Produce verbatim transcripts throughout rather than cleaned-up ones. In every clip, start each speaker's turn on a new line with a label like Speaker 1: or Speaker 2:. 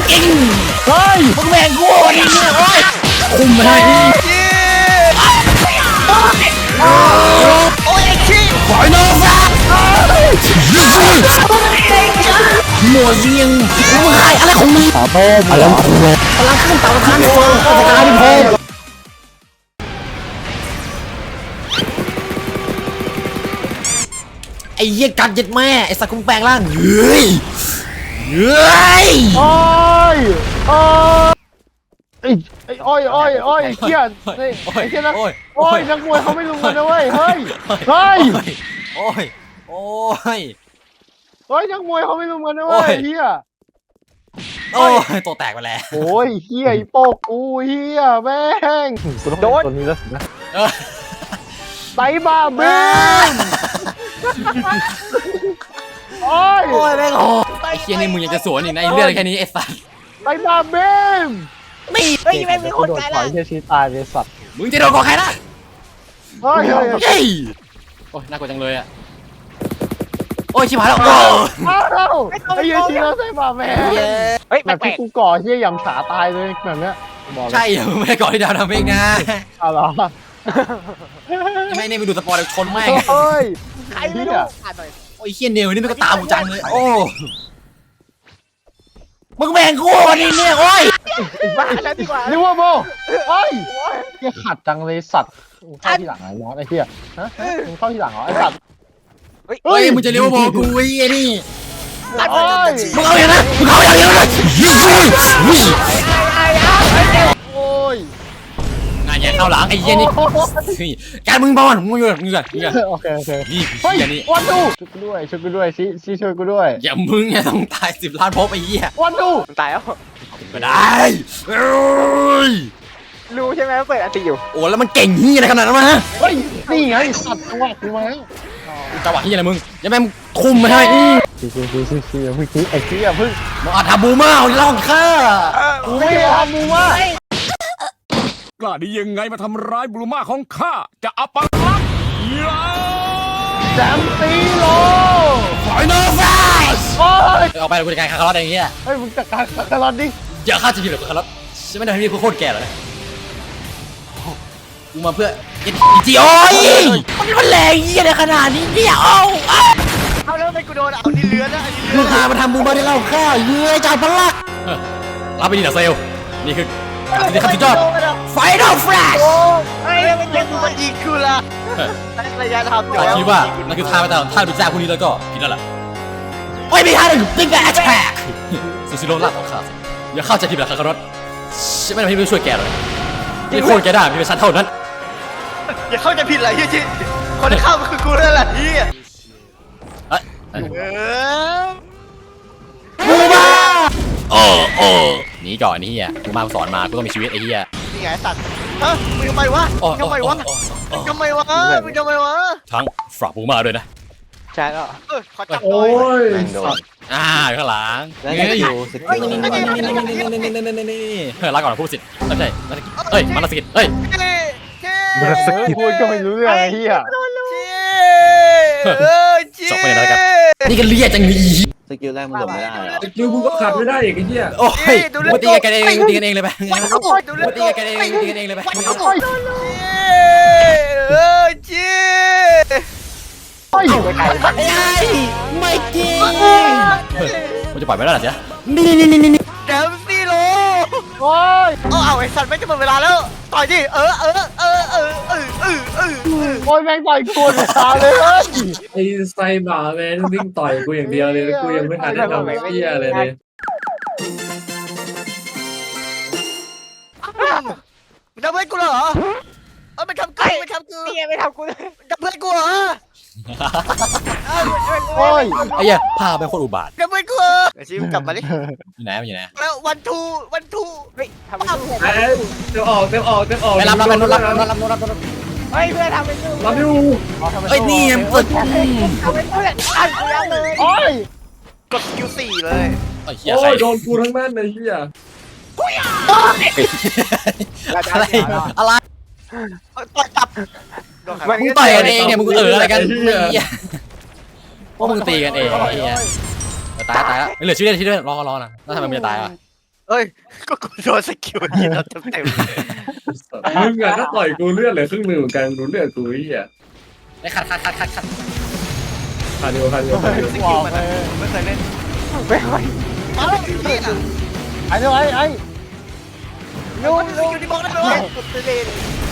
Speaker 1: กินเฮ้ยมึงแบ่งกูนี่โอ้ยคุมมาได้โอ้ยไอ้ขี้ปล่อยน้องนะหมวยิงมึงหายอะไรของมึงขอโทษอะไรของมึงพลังขึ้นเต่าทานฟองกระจายเป็นโพไอ้เหี้ยกัดยัดแม่ไอ้สักคุมแปลงร่างเฮ้ยเฮ้ย
Speaker 2: โอ้ยโอ้ยไอ้ไอ้อ้อยอ้อยอ้อยเขี้ยนไอ้ไอ้เขี้ยนนะโอ้ยนักมวยเขาไม่ลุมกันนะเว้ยเฮ้ยเฮ้ย
Speaker 1: โอ้ยโอ้ย
Speaker 2: เฮ้ยนักมวยเขาไม่ลุมกันนะเว้ยเฮีย
Speaker 1: โอ้ยตัวแตกไปแล้ว
Speaker 2: โอ้ยเฮียไอ้โปกกูเฮียแม่งโดนตัวนี้แล้วนะไตบ้าเบ้โอ้ย
Speaker 1: โอ้ยแม่งโอ้ไอ้เชี่ยนี่มึงยังจะสวนอีกนะไอ้เรื่องแค่นี้ไอ้สัส
Speaker 2: ไตบ้าเบ้
Speaker 1: ไม่
Speaker 3: เฮ้ยแม่งมีคนตายแล้ว
Speaker 2: เฮียชีตายเลยสัตว์
Speaker 1: มึงจะโดนของใครนะ
Speaker 2: เฮ้ย
Speaker 1: เฮ้ยโอ้ยน่ากลัวจังเลยอ่ะโอ้ยชิบหายแล้วโอ้
Speaker 2: ไอ้เฮียชีแล้วไตบ้าแม่
Speaker 3: เฮ้ย
Speaker 2: แบบที่กูก่อเฮียยำฉาตายเลยแบบเนี้ย
Speaker 1: ใช่มึงไม่ได้ก่อที่ดาวทำเองนะ
Speaker 2: อ้าวเหรอ
Speaker 1: ไม่เนี่ยไปดูสปอร์ตชนแม่ง
Speaker 2: เฮ้ย
Speaker 3: ใครไม่รู้อ่านหน่อย
Speaker 1: โอ้ยเฮียเนวนี่มันก็ตามกูจังเลยโอ้มึงแบ่งกูนี่เนี่ยโอ้ย
Speaker 3: บ้าแล้วดีกว่า
Speaker 2: ลิเวอร์พูลโอ้ยเฮียขัดจังเลยสัตว์เข้าที่หลังไอ้น้องไอ้เฮียฮะมึงเข้าที่หลังเหรอไอ้สัตว์
Speaker 1: เฮ้ยมึงจะเลี้ยวบอลกูไอ้นี่
Speaker 2: โอ้ย
Speaker 1: มึงเอาอย่างนั้นมึงเอาอย่างนั้นเลย
Speaker 2: โอ้ย
Speaker 1: งานใหญ่เข้าหลังไอ้เหี้ยนี่การมึงบอลมึงอยู่มึงอยู่มึงอยู่
Speaker 2: โอเคโอเค
Speaker 1: นี่
Speaker 2: เฮ้ย
Speaker 1: นี่
Speaker 2: วันดูช่วยกูด้วยช่วยกูด้วยซิซิช่วยกูด้วย
Speaker 1: อย่ามึงเนี่ยต้องตายสิบล้านพบไอ้เหี้ย
Speaker 2: วันดู
Speaker 3: ตายแล้ว
Speaker 1: ก็ได้
Speaker 3: รู้ใช่ไหมว่าเปิดอันตีอยู่
Speaker 1: โอ้แล้วมันเก่งเหี้ยอะไรขนาดนั้นมา
Speaker 2: เฮ้ยนี่ไงสัตว์จังหวะกูมา
Speaker 1: จังหวะเหี้ยอะไรมึงอย่าแม่งคุมไม่ให้
Speaker 2: ซิซิซิซิซิเมื่อกี้ไอ้เหี้ยเพิ่ง
Speaker 1: มึงอาทำบูมาเอาล่องข้า
Speaker 2: กูไม่ทำบูมาก
Speaker 4: ล้าได้ยังไงมาทำร้ายบลูมาของข้าจะอัปลักษณ์ยา
Speaker 2: แซมซีโล
Speaker 1: ไฟนอลแฟลช
Speaker 2: โอ้ย
Speaker 1: เอาไปกูจะการคาร์ลอตอย่างเงี้ย
Speaker 2: เฮ้ยมึงจัดการคาร์ลอตดิ
Speaker 1: อย่าฆ่าจะผิดหรอกคาร์ลอตฉันไม่ได้ทำให้พี่โคตรแก่เลยกูมาเพื่อเอ็นจีโอ้ยมันมันแรงเยี่ยในขนาดนี้เนี่ยเอา
Speaker 3: เอาแล้วไม่กูโดนเอาดิเลือนนะอันนี้
Speaker 1: เลือนมึงพามาทำบูมาได้เล่าข้าวเยื่อจ่ายพลักรับไปดีนะเซลนี่คือการที่ขั้นสุดยอดไฟนอลแฟลช
Speaker 3: ไอ้ไม่เจ็บกูมันยิงกูละระยะทำอยู่
Speaker 1: คิดว่านั่นคือท่าไปตามท่าดูจ้าพวกนี้แล้วก็ผิดแล้วล่ะโอ้ยไม่ท่าหนึ่งติ๊กแอทแทกซูซิโร่ลากของข้าสิอย่าเข้าใจผิดแบบคาร์ลอตฉันไม่ทำให้พี่ช่วยแกเลยพี่โคตรแกได้พี่เป็นชั้นเท่านั้น
Speaker 3: อย่าเข้าใจผิดอะไรที่ที่คนที่เข้าคือกูนั่นแหละที่
Speaker 1: เอ้ย
Speaker 3: บู
Speaker 1: มาโอ้โอ้หนีก่อนนี่เฮียกูมาสอนมากูต้องมีชีวิตไอ้เฮีย
Speaker 3: นี่ไงสัตว์ฮะมึงทำไมวะทำไมวะทำไมวะมึงทำไมวะ
Speaker 1: ทั้งฝากบูมาด้วยนะ
Speaker 3: ใช่แล้วเออขอจับ
Speaker 2: โอ้ย
Speaker 1: อ่าข้างหลัง
Speaker 2: แล้วก็อยู่สกิล
Speaker 1: นี่นี่นี่นี่นี่นี่นี่นี่นี่นี่เฮ้ยรักก่อนพูดสิไม่ใช่เฮ้ยมันสกิลเฮ้ย
Speaker 2: มันสกิลพูดก็ไม่รู้เรื่องไอ้เหี้ย
Speaker 1: จบไปแล้วครับนี่ก็เรียกจังงี้
Speaker 5: สกิลแรกมันหลบไม่ได้
Speaker 4: สกิลมึงก็ขัดไม่ได้อีกไอ้เหี้ย
Speaker 1: โอ้ยมาตีกันเองตีกันเองเลยไปมาตีกันเองตีกันเองเลยไป
Speaker 3: เออจี
Speaker 1: ไม่ไม่จริงมันจะปล่อยไม่ได้หรอเจ๊นี่นี่นี่นี่
Speaker 3: แดมซี่โล
Speaker 2: โอ้ย
Speaker 3: เอาเอาไอ้สัตว์ไม่จะหมดเวลาแล้วต่อยดิเออเออเออเออเออเออเออ
Speaker 2: โอ้ยแม่งต่อยกูเลยตาเลย
Speaker 4: ไอ้ไซบ่าแมนวิ่งต่อยกูอย่างเดียวเลยกูยังไม่ทันได้ทำอะไรเหี้ยเลยเลย
Speaker 3: มึงทำเพื่อนกูเหรอเออไม่ทำกูไม่ทำกูนี่ไม่ทำกูเลยทำเพื่อนกูเหรอ
Speaker 2: โอ้ย
Speaker 1: ไอ้เหี้ยพาไปโคตรอุบาท
Speaker 3: ทำเพื่อนกูไอ้ชิมกลับมาดิ
Speaker 1: อยู่ไหนอยู่ไหน
Speaker 3: แล้ววันทูวันทูเฮ้ยทำไม่ถูก
Speaker 4: เต็มออกเต็มออกเต็มออก
Speaker 1: ไปรับรับรับรับรับรับรับ
Speaker 3: เฮ้ยเพื่อนทำเป็นกู
Speaker 4: รับอยู่
Speaker 1: เฮ้ยนี่เปิด
Speaker 3: ทำเป็นเพื่อนอ่านกูยังเลย
Speaker 2: โอ้ย
Speaker 3: กดคิวสี่เลย
Speaker 1: โอ้
Speaker 4: ยโดนกูทั้งนั้นเลยเฮีย
Speaker 1: อะไรอะไร
Speaker 3: ต่อยจับ
Speaker 1: มึงต่อยกันเองเนี่ยมึงเอออะไรกันพวกมึงตีกันเองไอ้เหี้ยตายตายแล้วเหลือชีวิตชีวิตรอรอนะแล้วทำไมมึงจะตายอ่ะ
Speaker 3: เฮ้ยก็กูโดนสกิลยิงเราเต็มเต็ม
Speaker 4: มึงอะก็ต่อยกูเลือดเหลือครึ่งหนึ่งเหมือนกันดูเลือดกูไอ้เหี้ย
Speaker 1: ไอ้ขัดขัดขัดขัดขัด
Speaker 4: คาร์ดิโอคาร์ดิโอคาร์ดิโอ
Speaker 3: สกิลมันไม่เคยเล่นไม่เคยเอ้าพี่อ่ะ
Speaker 2: ไอ้เดี๋ยวไอ้ไอ้
Speaker 3: ยูยูที่บอกได้เลยเล่น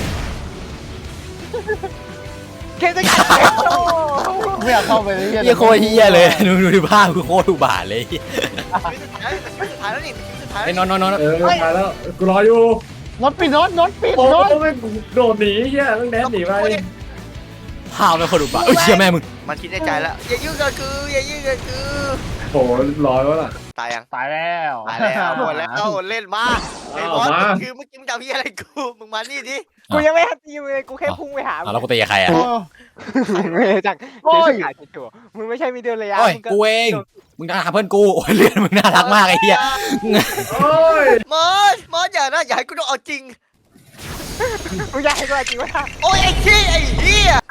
Speaker 3: เคสกัน
Speaker 2: ไม่อยากเข้าไปเลย
Speaker 1: เฮียโคตรเฮียเลยดูดูดูภาพคือโคตรอุบาทเลย
Speaker 3: สุดท้ายแล้วนี่สุดท้าย
Speaker 1: ไอ้นอนนอนนอน
Speaker 4: เออมาแล้วกูรออยู่
Speaker 2: รถปิดรถรถปิด
Speaker 4: โอ้
Speaker 2: รถ
Speaker 4: โหไม่โดดหนีเหี้ยต้องแดนหนีไป
Speaker 1: ภาพเป็นคนอุบาทเอ้ยเชี่ยแม่มึง
Speaker 3: มันคิดในใจแล้วอย่ายุ่งกับกูอย่ายุ่งกับกู
Speaker 4: โอ้โหร้อยแล้วล่ะ
Speaker 3: ตายยัง
Speaker 2: ตายแล้ว
Speaker 3: ตายแล้วหมดแล้วเล่นมาไอ้บอสคือเมื่อกี้มึงจะพี่อะไรกูมึงมานี่ดิ
Speaker 5: กูยังไม่ทันตีเลยกูแค่พุ่งไปหา
Speaker 1: อ่ะแล้วกูตีกับใครอ่ะ
Speaker 5: ไม่จาก
Speaker 2: โอ้ย
Speaker 5: ขายตัวมึงไม่ใช่มีเดินระยะ
Speaker 1: โอ้ย
Speaker 5: มึงก็
Speaker 1: กูเองมึงน่ารักเพื่อนกูโอ้ยเลือดมึงน่ารักมากไอ้เหี้ย
Speaker 4: โอ้ย
Speaker 3: มอสมอสอย่านะอย่าให้กูต้องเอาจริง
Speaker 5: มึงอยากให้กูจริงวะ
Speaker 3: โอ้ยไอ้ขี้ไอ้เหี้ย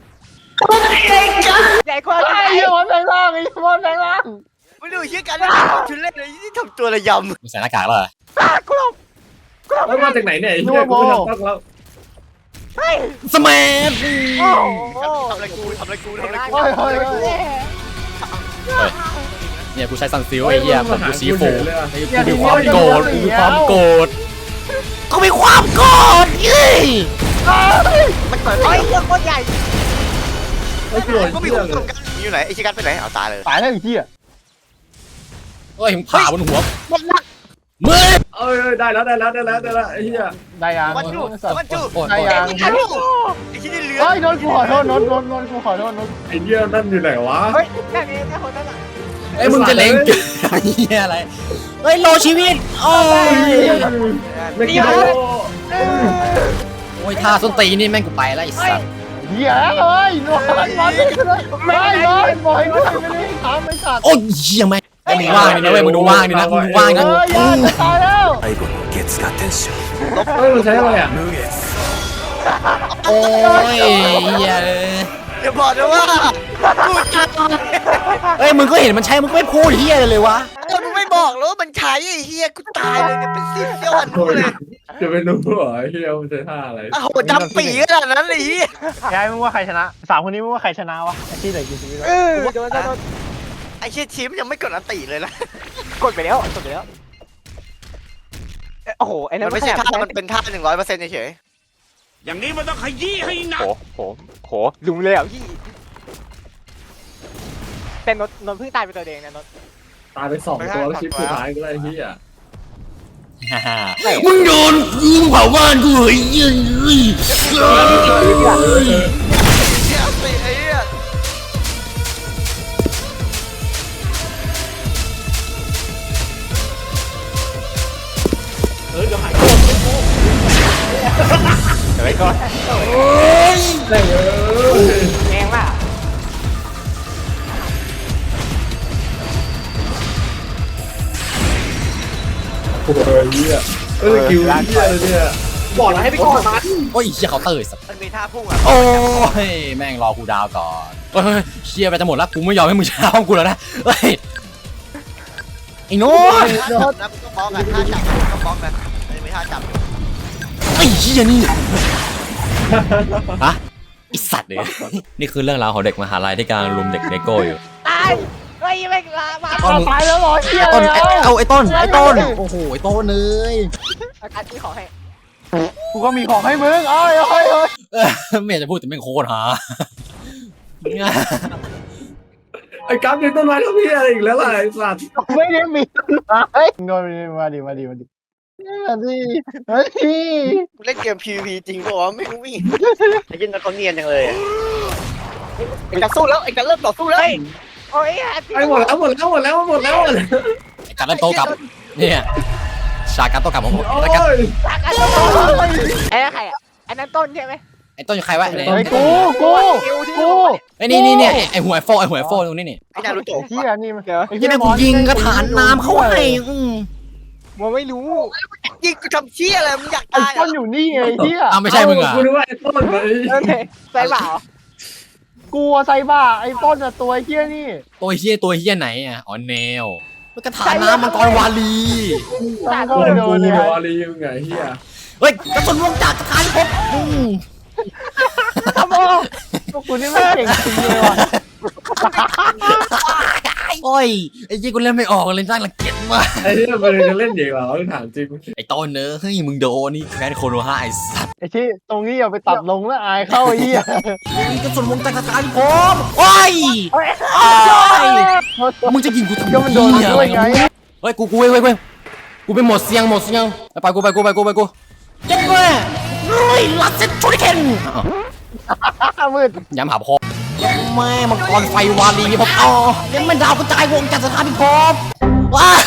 Speaker 5: ใหญ่กว่า
Speaker 2: ไอ้เหี้ยมันแรงล่างไอ้มันแรงล่าง
Speaker 3: ไม่ดูเหี้ยกันนะชุดเล่นเลยที่ทำตัวระยำ
Speaker 1: มึงใส่หน้ากากแล้วเหรอ
Speaker 5: กูหลบกูหลบ
Speaker 4: แล้วมาจากไหนเนี่ยไอ้เหี้ยกูไม่ทำตั้งแล้ว
Speaker 5: เฮ้ย
Speaker 1: สแมัย
Speaker 5: โอ้โห
Speaker 3: ทำอะไรกูทำอะไรกูทำอะไรกู
Speaker 2: เฮ้ยเฮ้ยเฮ้ย
Speaker 1: เนี่ยกูใช้ซันซิลไอ้เหี้ยผมกูสีโฟไอ้กูมีค
Speaker 2: เฮ้
Speaker 1: วาม
Speaker 2: ย
Speaker 1: โกรธกูมีความโกรธกูมีความโกรธเอ้ย
Speaker 3: มันเปิด
Speaker 5: เฮ้ยเรื่องโคตรใหญ่
Speaker 4: ไอ้โกรธ
Speaker 3: ก็มี
Speaker 4: เหี้
Speaker 3: ค
Speaker 4: ย
Speaker 3: น
Speaker 4: เลย
Speaker 3: ทำกันอยู่ไหนไอ้ชิกันไปไหนเอาตายเลย
Speaker 2: ตายแล้วไอ้เหี้ย
Speaker 1: เฮ้ยมึงผ่าบนหัว
Speaker 5: หมดละ
Speaker 1: มึง
Speaker 4: เอ้ยได้แล้วได้แล้วได้แล้วได้แล้วไอ้เหี้ย
Speaker 2: ได้ยัง
Speaker 3: มันจูมันจู
Speaker 1: โอ้ย
Speaker 2: ได้ยัง
Speaker 3: ไอ้ที่นี่เหลือ
Speaker 2: เฮ้ยนนท์กูขอโทษนนท์นนท์นนท์กูขอโทษนนท์
Speaker 4: ไอ้เหี้ยนั่นอยู่ไหนวะ
Speaker 5: เฮ้ยแค่นี้แค่คนนั้นอ่ะ
Speaker 1: ไอ้ยมึงจะเล็งไอ้เหี้ยอะไรเฮ้ยโลชีวิตโอ้ย
Speaker 4: ไม่กินโล
Speaker 1: โอ้ยท่าส้นตีนนี่แม่งกูไปแล้วไอ้สัส
Speaker 2: เหี้ยเฮ้ยนนท์นนท์มาเลยไม่เลยบอยไม่ไม่ได้ทำไม่สัตว์
Speaker 1: โอ้ยเหี้ยแม่งไอ้มึงว่างนี่นะเว้ยมึงดูว่างนี่นะมึงดูว่าง
Speaker 2: เฮ้
Speaker 1: นะ
Speaker 2: ยอย่าจะตายแล้ว
Speaker 6: 最後の月が天使
Speaker 4: เฮ้ยมันใช้อะไรอ่ะ
Speaker 6: 無月
Speaker 1: โอ้ยเหี้ยเลย
Speaker 3: อย่าบอกนะว่ากูจะ
Speaker 1: เอ้ยมึงก็เห็นมันใช้มึงก็ไม่พูดเหี้ยเลยเลยวะ
Speaker 3: เออมึงไม่บอกแล้วมันใช้ไอ้เฮียกูตายเลยเนี่ยเป็นสิบเซี่ยวหันกูเลย
Speaker 4: จะไปรู้เหรอไอ้เหี้ยมันใช้ท่าอะไร
Speaker 3: อ้าวจำปีขนาดนั้นเลยเฮีย
Speaker 2: ยายมึงว่าใครชนะสามคนนี้มึงว่าใครชนะวะไอ้ที่เหลือกี่ชีวิต
Speaker 5: เออโดนโดน
Speaker 3: ไอ้เชี่ยชิมยังไม่กดอันติเลยนะ
Speaker 5: กดไปแล้วกดไปแล้วโอ้โหไอ้นั่
Speaker 3: มัน นไม่ใช่ท่ามันเป็นท่าหนึ่งร้อยเปอร์เซ็นต์เฉย
Speaker 6: อย่างนี้มันต้องขยี้ให้หนัก
Speaker 5: โหโหโหลุมเลยอ่ะพี่แต่นนนนเพิ่งตายไปตัวเองนะนน
Speaker 4: ตายไปสองตัวแล้วชิปสุดท้ายก็ได้ไอ้เหี้ย
Speaker 1: มึงโดนมึงเผาบ้านกูเฮ้ยเฮ้ยเฮ้ย
Speaker 3: เฮียสิไอ้เฮีย
Speaker 5: เดี๋ยวไปก่อน
Speaker 4: ได้เลย
Speaker 5: แรงมาก
Speaker 4: โอ้ยเหี้ยเออคิวเหี้ยเลยเนี่ยบอกแล้วให้ไปก่อนมัน
Speaker 1: โอ้ยเชี่ยเขาเตยสัส
Speaker 3: มันมีท่าพุ่งอ่ะ
Speaker 1: โอ้ยแม่งรอกูดาวก่อนเฮ้ยเชียร์ไปจะหมดแล้วกูไม่ยอมให้มึงชนะห้องกูแล้วนะเฮ้ยไอ้โน้ต
Speaker 3: ท่าจับนะมึงต้องบล็อกอ่ะท่าจับมึงต้องบล็อกนะมันจะมีท่าจับ
Speaker 1: ไอ้เหี้ยนี่ฮะไอสัตว์เลยนี่คือเรื่องราวของเด็กมหาลัยที่กำลังรุมเด็กเลโก้อยู่
Speaker 5: ตายเฮ้ยไม่ลามา
Speaker 1: ต้น
Speaker 2: ตายแล้วเหรอเหี้ย
Speaker 1: ต้น
Speaker 2: แล้ว
Speaker 1: เอาไอ้ต้นไอ้ต้นโอ้โหไอ้ต้นเลย
Speaker 5: อาการที่ขอให้
Speaker 2: กูก็มีของให้มึงเอ้ยเอ้ยเอ้ย
Speaker 1: เออไม่อยากจะพูดแต่แม่งโคตรหา
Speaker 4: ไอ้กั๊บยังต้นไม้ทั้งพี่อะไรอีกแล้วล่ะไอ้สัตว์
Speaker 2: ไม่ได้มีเฮ้ยโดนมาดิมาดิมาดิมาดิมาดิ
Speaker 3: กูเล่นเกม พี วี พี จริงป่าวะไม่รู้วิ่งไอ้ยินเขาเนียนจังเลยไอ้กันสู้แล้วไอ้กันเริ่มต่อสู้แล้ว
Speaker 5: โอ้ย
Speaker 4: ไอ้หมดแล้วหมดแล้วหมดแล้วหมดแล้วหมดแล้ว
Speaker 1: ไอ้การเล่นโตกลับเนี่ยฉากการโตกลับของผม
Speaker 4: โอ้
Speaker 1: ไอ้การ
Speaker 4: ย
Speaker 5: ไอ้ใครอ่ะไอ้นั่นต้นใช่ไหม
Speaker 1: ไอ้ต้นอยู่ใครวะไอ้
Speaker 2: ไอ้กูกูกู
Speaker 1: ไอ้นี่นี่เนี่ยไอ้หัวไอ้โฟไอ้หัวไอ้โฟตรงนี้นี่
Speaker 3: ไอ้นารูโตะ
Speaker 2: เฮียนี่มัน
Speaker 5: เดี๋ยว
Speaker 1: ไอ้ที่แม่งกูยิงกระถานน้ำเข้าให้อืม
Speaker 5: มันไม่รู้
Speaker 3: ยิงกูทำเชี่ยอะไรมึงอยาก
Speaker 2: ไอ้
Speaker 3: ตาย
Speaker 2: ต้นอยู่นี่ไงเฮีย
Speaker 1: อ้าวไม่ใช่มึงอ่ะ
Speaker 4: กูนึกว่าไอ้ต้นเลย
Speaker 5: เออใส่เปล่า
Speaker 2: กูไซบ้าไอ้ต้นอะตัวเฮียนี่
Speaker 1: ตัวเฮี้ยตัวเฮี้ยไหนอ่ะอ๋อแนวกระถางน้ำมังกรวาลี
Speaker 2: ตั้ง
Speaker 4: โด
Speaker 2: ก็ไม่
Speaker 4: น
Speaker 2: โด
Speaker 4: กู
Speaker 2: นเลย
Speaker 4: เดี๋ยวอารีมึงไงเฮีย
Speaker 1: เฮ้ยกระสุนวงจากกระถางพบอืม
Speaker 2: ครับโอ้พวกคุณนี่ไม่เก่งจริงเลยว่ะ
Speaker 1: โอ้ยไอ้ยี่กูเล่นไม่ออกเลยน่ารังเกียจมาก
Speaker 4: ไอ้เฮียมันจะเล่นเด็กเหรอถามจริง
Speaker 1: ไอ้ต้นเนอะเฮ้ยมึงโดนนี่แค้นโคโนฮาไอ้สัตว์
Speaker 2: ไอ้ชี้ตรงนี้อย่าไปตัดลงแล้วอายเข้าไอ้เหี้ย
Speaker 1: กระสุนวงจากกระถางพบโอ้ยโอ้ยมึงจะยิงกูทำไม
Speaker 2: ก็มันโดน
Speaker 1: เหี้ย
Speaker 2: ด้วยไง
Speaker 1: เฮ้ยกูกูเว้ยเว้ยเว้ยกูไปหมดเสียงหมดเสียงไปกูไปกูไปกูไปกูเจ็บเลยเฮ้ยลัดเซ็ตชูริเคน
Speaker 2: มืด
Speaker 1: ย้ำหาพ่อแม่มังกรไฟวาลีผมอ๋อยังไม่ดาวกระจายวงจากสถานพิภพว้า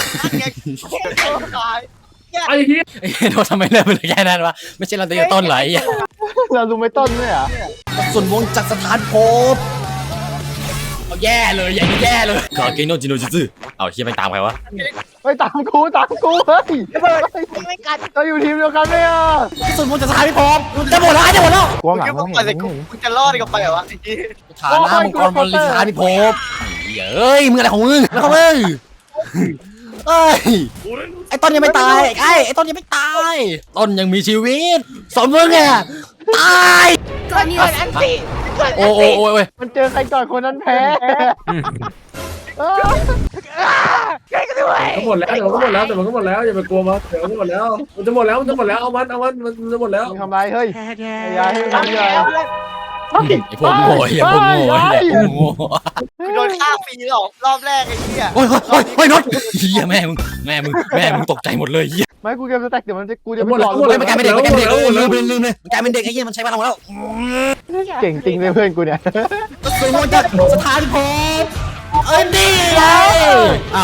Speaker 4: ไอ้เฮีย
Speaker 1: เอ้ยโดนทำไมเริ่มเป็นแค่นั้นวะไม่ใช่เราตีต้นไหลอ่ะ
Speaker 2: เราดูไม่ต้นด้วยอ่ะ
Speaker 1: ส่วนวงจากสถานภพเอาแย่เลยอย่างนี้แย่เลยกาเกโนจิโนจิซึเอาเฮียไปตามใครวะ
Speaker 2: ไปตามกูตามกูเฮ้ย
Speaker 5: ไม่กัน
Speaker 2: เราอยู่ทีมเดียวกันไหมอ่ะ
Speaker 1: ส่วนวงจากสถานพิภพจะหมดแล้วจะหมดแล้ว
Speaker 2: กลัวหลัง
Speaker 3: มึ
Speaker 2: มึ
Speaker 3: ง
Speaker 2: ง
Speaker 3: ไปเลยกูมึงจะรอดกับไปเหรอวะไอ้ที่
Speaker 1: ฐานะมังกรบอลลิสถานพิภพเฮ้ยมึงอะไรของมึงแล้วของมึงเอ้ยไอ้ต้นยังไม่ตายไอ้ไอ้ต้นยังไม่ตายต้นยังมีชีวิตสมมึงอ่ะตาย
Speaker 5: ตอนนี้มันอันตี
Speaker 1: โอ้โอ้โอ้โอ้ย
Speaker 2: มันเจอใครก่อนคนนั้นแพ้เออ
Speaker 5: ใกล้กันด้วย
Speaker 4: ก็หมดแล้วเดี๋ยวก็หมดแล้วแต่มันก็หมดแล้วอย่าไปกลัวมันเดี๋ยวก็หมดแล้วมันจะหมดแล้วมันจะหมดแล้วเอามันเอามันมันจะหมดแล้ว
Speaker 2: มึงทำไรเฮ้ยอย่าให้มัน
Speaker 5: ทำ
Speaker 2: ทำ
Speaker 5: แล้
Speaker 2: เลยว
Speaker 1: ไอ้พวกโง่ไอ้พวกโง่ไอ้พวกโง่
Speaker 3: กูโดนฆ่าฟรีหรอกรอบแรกไอ้เหี้ย
Speaker 1: โอ้ยโอ้ยโอ้ยน็อตเฮียแม่มึงแม่มึงแม่มึงตกใจหมดเลยเฮีย
Speaker 2: ไม่กูเกมสแต็กเดี๋ยวมันจะกูจะไป
Speaker 1: โอ้ยมันกลายเป็นเด็กมันกลายเป็นเด็กเออลืมลืมลืมเลยมันกลายเป็นเด็กไอ้เหี้ยมันใช้พลังแล้ว
Speaker 2: เก่งจริงเลยเพื่อนกูเนี่ย
Speaker 1: ส่วนวงจากสถานภพเอ้ยดีไงอ้าว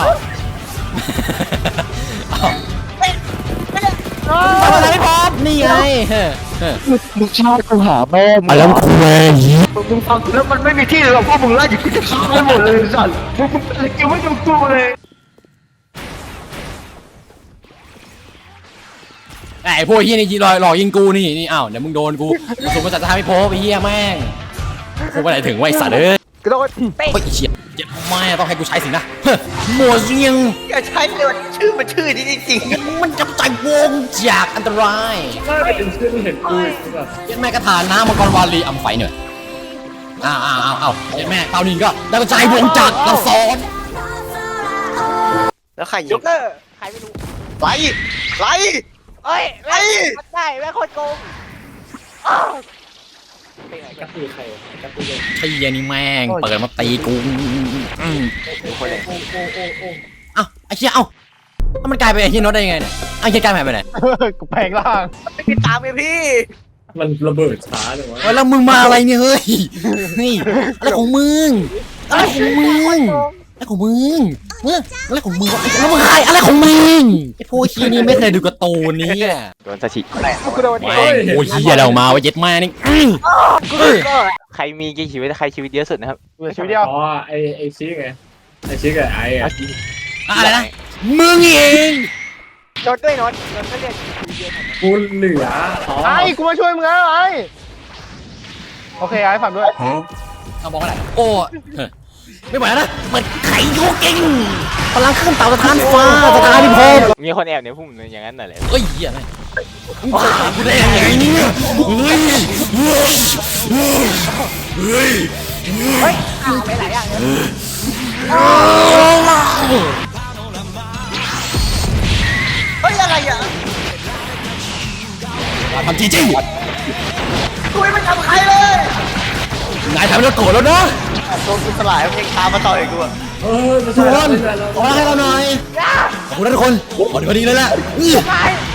Speaker 1: ทำอะไรไม่พร้อมนี่ไง
Speaker 2: ลูกชายกูหาแม่
Speaker 1: มาแล้วคุย
Speaker 2: มึงฟังแล้วมันไม่มีที่เลยหรอกพวกมึงไล่กูจะฆ่าไปหมดเลยสัตว์มึงเป็นเกี่ยวไม่ถูกตัวเลย
Speaker 1: ไอ้พวกเฮียนี่หลอกหลอกยิงกูนี่นี่อ้าวเดี๋ยวมึงโดนกูส่งมาจากสถานพิภพไอ้เฮียแม่งกูไปไหนถึงไว้สัตว์เอ้ย
Speaker 2: กระโดด
Speaker 1: เฮ้ยเฉียดเจ็บแม่ต้องให้กูใช้สินะหมวเสียง
Speaker 3: อย่าใช้เลยมันชื่อมันชื่อนี้จริง
Speaker 1: มันจับใจวงจากอันตราย
Speaker 4: น่าจะเป็นชื่อที่เห็นกูอีกใช่ป่ะ
Speaker 1: เย็นแม่กระถานน้ำมังกรวาลีอำไฟหน่อยอ้าวอ้าวอ้าวอ้าวเย็นแม่เต้านี่ก็ได้กระจายวงจากกระสอน
Speaker 3: ๆแล้วใครยิ
Speaker 5: ย
Speaker 3: ง
Speaker 5: กเตอร์ใครไม่รู้
Speaker 3: ไล่ไล่
Speaker 5: เอ้ยแม่งได้แม่งโคตรโกงไปไหน
Speaker 4: ก
Speaker 5: กั
Speaker 4: ระ
Speaker 5: น
Speaker 4: ตือใครกระตือเลย
Speaker 1: ไอ้เหี้ยนี่แม่งเปิดมาตีกูอืม
Speaker 3: คนไหน
Speaker 4: โอ้โอ้โอ้โอ้
Speaker 1: เอ้าไอ้เหี้ยเอ้าแล้วมันกลายเป็นไอ้เหี้ยน็อตได้ยังไงเนี่ยไอ้เหี้ยกลายไปไหน
Speaker 2: กูแปลงร่าง
Speaker 3: ไม่ติดตามไงพี่
Speaker 4: มันระเบิดช้าเลยวะ
Speaker 1: เฮ้ยแล้วมึงมาอะไรเนี่ยเฮ้ยนี่อะไรของมึงอะไรของมึงอะไรของมึงเฮ้ยอะไรของมึงวะแล้วมึงใครอะไรของมึงไอ้พวกเหี้ยนี่ไม่เคยดูการ์ตูนนี่
Speaker 3: โดนสถิ
Speaker 2: กูโดน
Speaker 1: แม่งโอ้ยเหี้ยเรามาว่าเย็ดแม่นี่อื้อเอ้ย
Speaker 3: ใครมีกี่ชีวิตใครชีวิตเยอะสุดนะครับ
Speaker 2: เหลือชีวิตเดียว
Speaker 4: อ๋อไอไอชี้ไงไอชี้กับไออะ
Speaker 1: อะไรนะมึงเอง
Speaker 5: โดนด้วยโนนโดนก็เรียกเยอะ
Speaker 4: กูเหลืออ๋อ
Speaker 2: ไอ้กูมาช่วยมึงแล้วไอ้โอเคไอ้ฝากด้วย
Speaker 1: เอาบอกอะไรโอ้เฮ้ยไม่ไหวแล้วนะเปิดไข่โยกิงพลังขึ้นเต่าสถานฟ้าสถานพิภพ
Speaker 3: มีคนแอบในพุ่มอย่างนั้นน่ะแหละ
Speaker 1: เฮ้ยเหี้ยอะไรมึงเปิดปากกูได้ยังไงเนี่ยเฮ้ยเฮ้ย
Speaker 5: เฮ้ยไปหลายอย่างเลย
Speaker 3: เฮ้ยอะไรอ่ะ
Speaker 1: ทำจริง
Speaker 3: กูไม่ทำใครเลย
Speaker 1: ๆนายทำแล้วโกรธแล้วนะ
Speaker 3: ตัวกูสลายเพลงตามมาต่อยกูอ่ะ
Speaker 4: เออไม่
Speaker 1: ทุ
Speaker 4: ใช่
Speaker 1: กคน
Speaker 4: ไม่ใช่แล้ว
Speaker 1: ขอให้เราหน่อยขอบคุณนะทุกคนขอดีพอดีเลยแหละอื้อ
Speaker 5: ไป